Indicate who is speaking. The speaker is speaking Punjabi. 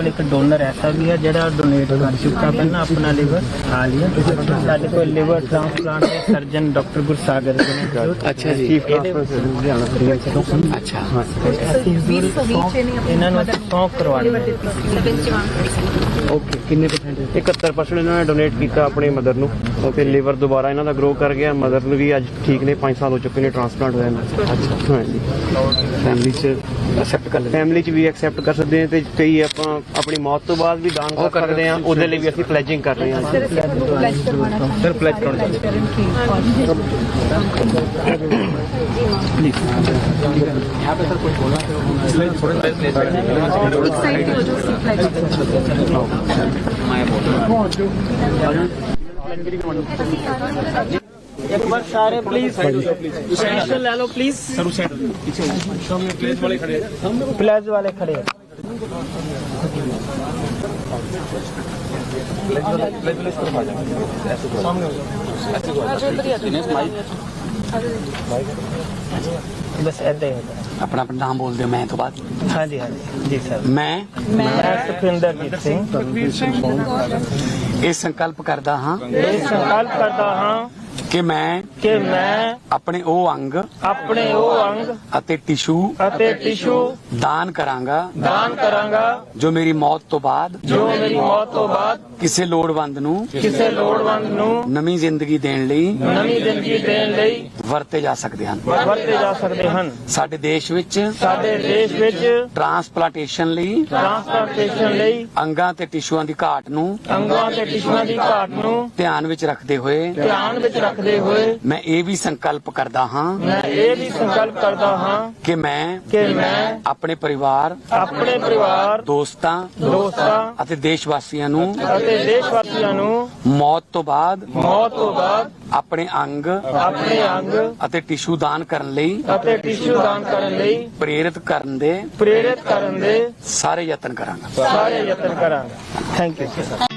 Speaker 1: ਕੋਲ ਇੱਕ ਡੋਨਰ ਐਸਾ ਵੀ ਹੈ ਜਿਹੜਾ ਡੋਨੇਟ ਕਰ ਚੁੱਕਾ ਪਹਿਲਾਂ ਆਪਣਾ ਲਿਵਰ ਖਾ ਲਿਆ। ਸਾਡੇ ਕੋਲ ਲਿਵਰ ਟ੍ਰਾਂਸਪਲਾਂਟ ਦੇ ਸਰਜਨ ਡਾਕਟਰ ਗੁਰਸਾਗਰ ਜੀ ਨੇ।
Speaker 2: ਅੱਛਾ ਜੀ।
Speaker 1: ਚੀਫ ਲੁਧਿਆਣਾ
Speaker 2: ਅੱਛਾ
Speaker 1: ਇਹਨਾਂ ਨੂੰ ਸੌਂਪ ਕਰਵਾਉਣੀ।
Speaker 2: ਓਕੇ, ਕਿੰਨੇ ਪਰਸੈਂਟ?
Speaker 3: 71% ਇਹਨਾਂ ਨੇ ਡੋਨੇਟ ਕੀਤਾ ਆਪਣੀ ਮਦਰ ਨੂੰ ਤੇ ਲਿਵਰ ਦੁਬਾਰਾ ਇਹਨਾਂ ਦਾ ਗਰੋ ਕਰ ਗਿਆ। ਮਦਰ ਨੂੰ ਵੀ ਅੱਜ ਠੀਕ ਨੇ, 5 ਸਾਲ ਹੋ ਚੁੱਕੇ ਨੇ ਟ੍ਰਾਂਸਪਲਾਂਟ ਹੋਇਆ ਇਹਨਾਂ ਦਾ।
Speaker 2: ਅੱਛਾ,
Speaker 3: ਹਾਂਜੀ,
Speaker 2: ਫੈਮਿਲੀ ਚ ਐਕਸੈਪਟ ਕਰ ਲੈਂਦੇ?
Speaker 3: ਫੈਮਿਲੀ ਚ ਵੀ ਐਕਸੈਪਟ ਕਰ ਸਕਦੇ ਹਾਂ ਤੇ ਕਈ ਆਪਾਂ ਆਪਣੀ ਮੌਤ ਤੋਂ ਬਾਅਦ ਵੀ ਦਾਨ ਕਰ ਸਕਦੇ ਹਾਂ। ਉਹਦੇ ਲਈ ਵੀ ਅਸੀਂ ਪਲੇਜਿੰਗ ਕਰ ਰਹੇ ਹਾਂ।
Speaker 1: ਸਰ ਪਲੇਜ ਕਰਾਉਣਾ यहाँ पे सर कुछ बोलना थोड़ा एक बार सारे प्लीज सेंटर ले लो प्लीज। प्लेज वाले खड़े हैं। बस ऐसे ही
Speaker 2: अपना अपना नाम बोल दो मैं तो बाद।
Speaker 1: हाँ जी जी सर।
Speaker 2: मैं
Speaker 1: सुखविंदरजीत सिंह
Speaker 2: ਇਹ ਸੰਕਲਪ ਕਰਦਾ ਹਾਂ
Speaker 1: ये संकल्प करता हाँ
Speaker 2: ਕਿ मैं ਆਪਣੇ ਉਹ ਅੰਗ
Speaker 1: अपने वो अंग
Speaker 2: ਅਤੇ ਟਿਸ਼ੂ
Speaker 1: ਅਤੇ टिशू
Speaker 2: ਦਾਨ ਕਰਾਂਗਾ
Speaker 1: दान करांगा
Speaker 2: ਜੋ ਮੇਰੀ ਮੌਤ ਤੋਂ ਬਾਅਦ
Speaker 1: जो मेरी मौत तो बाद
Speaker 2: ਕਿਸੇ ਲੋੜਵੰਦ ਨੂੰ
Speaker 1: किसी लोड़वंद ਨੂੰ
Speaker 2: ਨਵੀਂ ਜ਼ਿੰਦਗੀ ਦੇਣ ਲਈ
Speaker 1: ਨਵੀਂ ਜ਼ਿੰਦਗੀ ਦੇਣ ਲਈ
Speaker 2: ਵਰਤੇ ਜਾ ਸਕਦੇ ਹਨ।
Speaker 1: ਵਰਤੇ ਜਾ ਸਕਦੇ ਹਨ।
Speaker 2: ਸਾਡੇ ਦੇਸ਼ ਵਿੱਚ
Speaker 1: ਸਾਡੇ ਦੇਸ਼ ਵਿੱਚ
Speaker 2: ਟ੍ਰਾਂਸਪਲਾਂਟੇਸ਼ਨ ਲਈ
Speaker 1: ਟ੍ਰਾਂਸਪਲਾਂਟੇਸ਼ਨ ਲਈ
Speaker 2: ਅੰਗਾਂ ਤੇ ਟਿਸ਼ੂਆਂ ਦੀ ਘਾਟ ਨੂੰ
Speaker 1: ਅੰਗਾਂ ਤੇ ਟਿਸ਼ੂਆਂ ਦੀ ਘਾਟ ਨੂੰ
Speaker 2: ਧਿਆਨ ਵਿੱਚ ਰੱਖਦੇ ਹੋਏ
Speaker 1: ਧਿਆਨ ਵਿੱਚ ਰੱਖਦੇ ਹੋਏ
Speaker 2: ਮੈਂ ਇਹ ਵੀ ਸੰਕਲਪ ਕਰਦਾ ਹਾਂ
Speaker 1: ਮੈਂ ਇਹ ਵੀ ਸੰਕਲਪ ਕਰਦਾ ਹਾਂ
Speaker 2: ਕਿ ਮੈਂ ਆਪਣੇ ਪਰਿਵਾਰ ਦੋਸਤਾਂ ਅਤੇ ਦੇਸ਼ ਵਾਸੀਆਂ ਨੂੰ ਮੌਤ ਤੋਂ ਬਾਅਦ ਆਪਣੇ ਅੰਗ ਅਤੇ ਟਿਸ਼ੂ ਦਾਨ ਕਰਨ ਲਈ ਪ੍ਰੇਰਿਤ ਕਰਨ ਦੇ
Speaker 1: ਸਾਰੇ
Speaker 2: ਸਾਰੇ ਯਤਨ ਕਰਾਂਗਾ।
Speaker 1: ਯਤਨ ਕਰਾਂਗੇ। Thank you.